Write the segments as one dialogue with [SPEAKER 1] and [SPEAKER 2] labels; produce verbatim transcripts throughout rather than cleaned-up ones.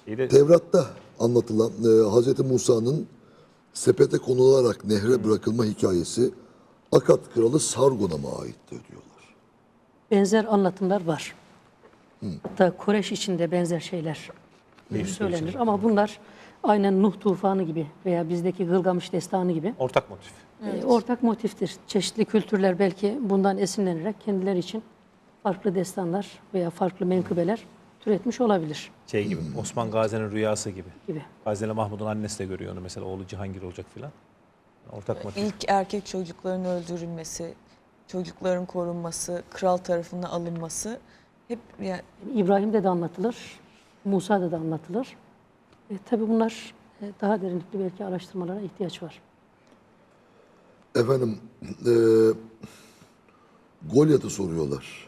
[SPEAKER 1] de...
[SPEAKER 2] Tevrat'ta anlatılan e, Hazreti Musa'nın sepete konularak nehre bırakılma hikayesi Akat kralı Sargon'a mı aittir diyorlar.
[SPEAKER 3] Benzer anlatımlar var. Hatta Koreş içinde benzer şeyler söylenir.
[SPEAKER 1] için.
[SPEAKER 3] Ama bunlar aynen Nuh tufanı gibi veya bizdeki Gılgamış destanı gibi
[SPEAKER 1] Ortak motif.
[SPEAKER 3] e, ortak motiftir. Çeşitli kültürler belki bundan esinlenerek kendileri için farklı destanlar veya farklı menkıbeler türetmiş olabilir
[SPEAKER 1] Şey gibi, Osman Gazi'nin rüyası gibi.
[SPEAKER 3] gibi.
[SPEAKER 1] Gazi'yle Mahmud'un annesi de görüyor onu mesela, oğlu Cihangir olacak filan. Ortak motif.
[SPEAKER 4] İlk erkek çocukların öldürülmesi, çocukların korunması, kral tarafından alınması hep yani
[SPEAKER 3] İbrahim'de de anlatılır, Musa'da da anlatılır. E, tabii bunlar e, daha derinlikli belki araştırmalara ihtiyaç var.
[SPEAKER 2] Efendim e, Golyat'ı soruyorlar.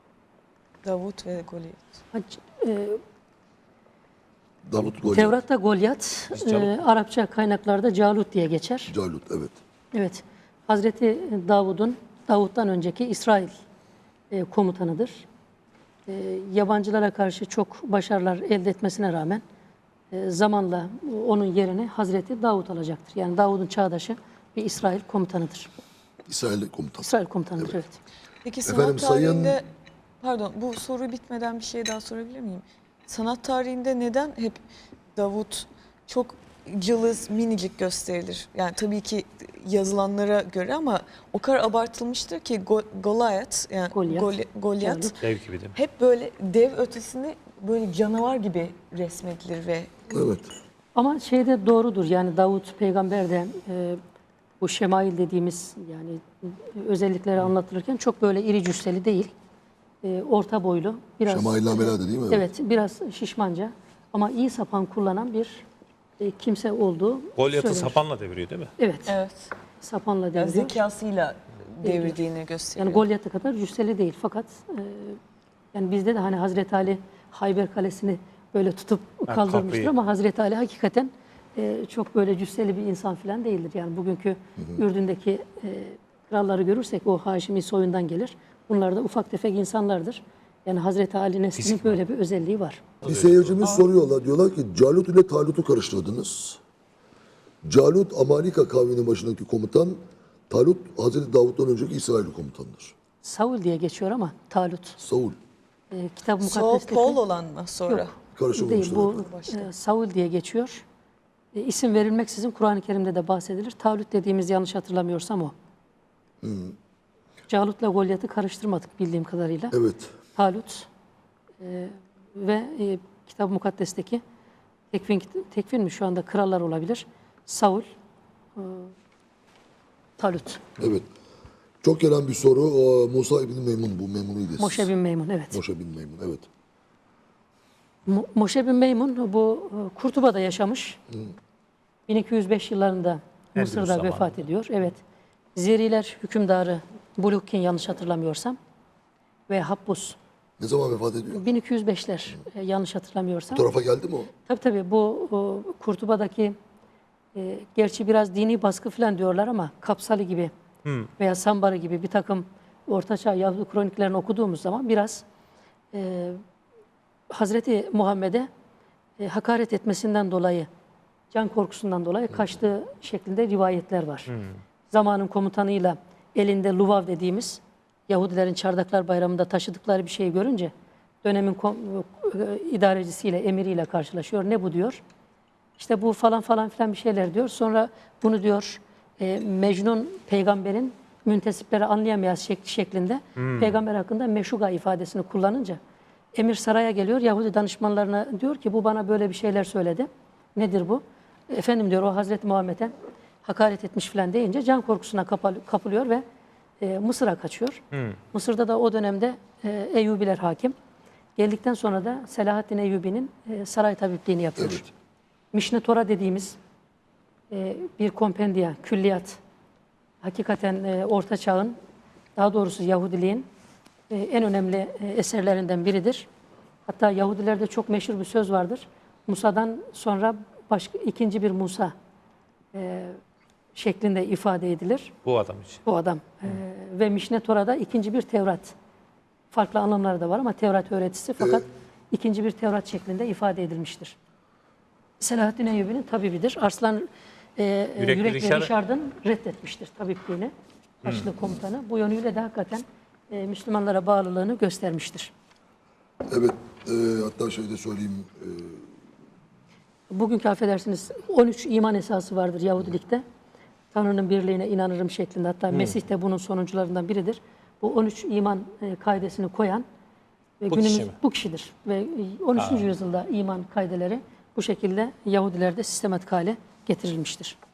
[SPEAKER 4] Davut ve Golyat.
[SPEAKER 3] Hac, e,
[SPEAKER 2] Davut Golyat.
[SPEAKER 3] Tevrat'ta Golyat,
[SPEAKER 1] Biz Calut.
[SPEAKER 3] e, Arapça kaynaklarda Calut diye geçer.
[SPEAKER 2] Calut, evet.
[SPEAKER 3] Evet, Hazreti Davud'un, Davut'tan önceki İsrail e, komutanıdır. E, yabancılara karşı çok başarılar elde etmesine rağmen e, zamanla onun yerini Hazreti Davud alacaktır. Yani Davud'un çağdaşı bir İsrail komutanıdır.
[SPEAKER 2] İsrail komutan.
[SPEAKER 3] İsrail komutanıdır, evet.
[SPEAKER 4] Peki sanat
[SPEAKER 2] Efendim, sayın-
[SPEAKER 4] tarihinde, pardon bu soru bitmeden bir şey daha sorabilir miyim? Sanat tarihinde neden hep Davut çok cılız, minicik gösterilir? Yani tabii ki yazılanlara göre ama o kadar abartılmıştır ki Go Goliath, yani
[SPEAKER 3] Golyat.
[SPEAKER 4] Goli- Goliath
[SPEAKER 3] Calut.
[SPEAKER 1] Dev gibi değil mi?
[SPEAKER 4] hep böyle dev ötesinde böyle canavar gibi resmedilir ve
[SPEAKER 2] Evet.
[SPEAKER 3] Ama şey de doğrudur, yani Davut peygamber de e, bu şemail dediğimiz yani e, özellikleri anlatılırken çok böyle iri cüsseli değil. E, orta boylu, biraz
[SPEAKER 2] Şemail-i değil mi?
[SPEAKER 3] evet, biraz şişmanca ama iyi sapan kullanan bir e, kimse olduğu
[SPEAKER 1] Golyat'ı
[SPEAKER 3] söylenir.
[SPEAKER 1] sapanla deviriyor değil mi?
[SPEAKER 3] Evet,
[SPEAKER 4] evet,
[SPEAKER 3] sapanla
[SPEAKER 4] yani
[SPEAKER 3] deviriyor.
[SPEAKER 4] zekasıyla devirdiğini gösteriyor.
[SPEAKER 3] Yani Golyat'a kadar cüsseli değil fakat e, yani bizde de hani Hazreti Ali Hayber Kalesi'ni böyle tutup
[SPEAKER 1] Ha,
[SPEAKER 3] kaldırmıştır
[SPEAKER 1] kapıyı.
[SPEAKER 3] ama Hazreti Ali hakikaten e, çok böyle cüsseli bir insan falan değildir. Yani bugünkü Ürdün'deki e, kralları görürsek o Haşimi soyundan gelir. Bunlar da ufak tefek insanlardır. Yani Hazreti Ali neslinin böyle bir özelliği var.
[SPEAKER 2] Bir seyircimiz soruyorlar. Diyorlar ki Calut ile Talut'u karıştırdınız. Calut Amalika kavminin başındaki komutan. Talut Hazreti Davut'tan önceki İsrail komutanıdır.
[SPEAKER 3] Saul diye geçiyor ama Talut.
[SPEAKER 2] Saul.
[SPEAKER 3] E, Kitap-ı
[SPEAKER 4] Saul
[SPEAKER 3] Mukaddes'teki...
[SPEAKER 4] Paul olan mı sonra?
[SPEAKER 3] Yok.
[SPEAKER 2] Karışım
[SPEAKER 3] Değil,
[SPEAKER 2] olmuştur.
[SPEAKER 3] bu e, Saul diye geçiyor. E, isim verilmeksizin Kur'an-ı Kerim'de de bahsedilir. Talut dediğimiz yanlış hatırlamıyorsam o. Calut'la Golyat'ı karıştırmadık bildiğim kadarıyla.
[SPEAKER 2] Evet.
[SPEAKER 3] Talut e, ve e, Kitab-ı Mukaddes'teki tekvin, tekvin mi şu anda krallar olabilir. Saul, e, Talut,
[SPEAKER 2] Evet. Çok gelen bir soru. O, Musa İbni Meymun bu. Meymun'uydu.
[SPEAKER 3] Moşe bin Meymun, evet.
[SPEAKER 2] Moşe bin Meymun, evet.
[SPEAKER 3] Mo- Moşe bin Meymun bu e, Kurtuba'da yaşamış. bin iki yüz beş yıllarında
[SPEAKER 1] Endülüs
[SPEAKER 3] Mısır'da
[SPEAKER 1] zamanında.
[SPEAKER 3] vefat ediyor. Evet. Zeriler hükümdarı Bulukkin yanlış hatırlamıyorsam ve Habbus
[SPEAKER 2] Ne zaman vefat ediyor?
[SPEAKER 3] bin iki yüz beşler e, yanlış hatırlamıyorsam.
[SPEAKER 2] Bu tarafa geldi mi o?
[SPEAKER 3] Tabii tabii bu o, Kurtuba'daki e, gerçi biraz dini baskı falan diyorlar ama Kapsalı gibi veya Sambarı gibi bir takım Ortaçağ Yahudi kroniklerini okuduğumuz zaman biraz e, Hazreti Muhammed'e e, hakaret etmesinden dolayı, can korkusundan dolayı kaçtığı şeklinde rivayetler var. Zamanın komutanıyla elinde luvav dediğimiz Yahudilerin Çardaklar Bayramı'nda taşıdıkları bir şeyi görünce dönemin kom- e, idarecisiyle, emiriyle karşılaşıyor. Ne bu diyor? İşte bu falan falan filan bir şeyler diyor. Sonra bunu diyor e, Mecnun peygamberin müntesipleri anlayamayan şek- şeklinde peygamber hakkında meşuga ifadesini kullanınca emir saraya geliyor. Yahudi danışmanlarına diyor ki bu bana böyle bir şeyler söyledi. Nedir bu? Efendim diyor o Hazreti Muhammed'e hakaret etmiş filan deyince can korkusuna kapal- kapılıyor ve e, Mısır'a kaçıyor. Mısır'da da o dönemde e, Eyyubiler hakim. Geldikten sonra da Selahaddin Eyyubi'nin e, saray tabipliğini yapıyor.
[SPEAKER 2] Evet.
[SPEAKER 3] Mişne Tora dediğimiz e, bir kompendiya, külliyat. Hakikaten e, Orta Çağ'ın, daha doğrusu Yahudiliğin e, en önemli e, eserlerinden biridir. Hatta Yahudilerde çok meşhur bir söz vardır. Musa'dan sonra başka ikinci bir Musa e, şeklinde ifade edilir.
[SPEAKER 1] Bu adam için.
[SPEAKER 3] Bu adam. E, ve Mişne Tora'da ikinci bir Tevrat. Farklı anlamları da var ama Tevrat öğretisi fakat ikinci bir Tevrat şeklinde ifade edilmiştir. Selahaddin Eyyubi'nin tabibidir. Arslan e,
[SPEAKER 1] Yürekli
[SPEAKER 3] Yürekli
[SPEAKER 1] Rişar-
[SPEAKER 3] Rişard'ın reddetmiştir tabipliğini. Haçlı komutanı. Bu yönüyle de hakikaten e, Müslümanlara bağlılığını göstermiştir.
[SPEAKER 2] Evet, e, hatta şey de söyleyeyim. E,
[SPEAKER 3] Bugünkü affedersiniz on üç iman esası vardır Yahudilikte. Tanrı'nın birliğine inanırım şeklinde. Hatta Mesih de bunun sonuncularından biridir. Bu on üç iman e, kaidesini koyan ve
[SPEAKER 1] Bu
[SPEAKER 3] günümüz
[SPEAKER 1] kişi mi?
[SPEAKER 3] bu kişidir. Ve on üçüncü yüzyılda iman kaideleri bu şekilde Yahudilerde sistematik hale getirilmiştir.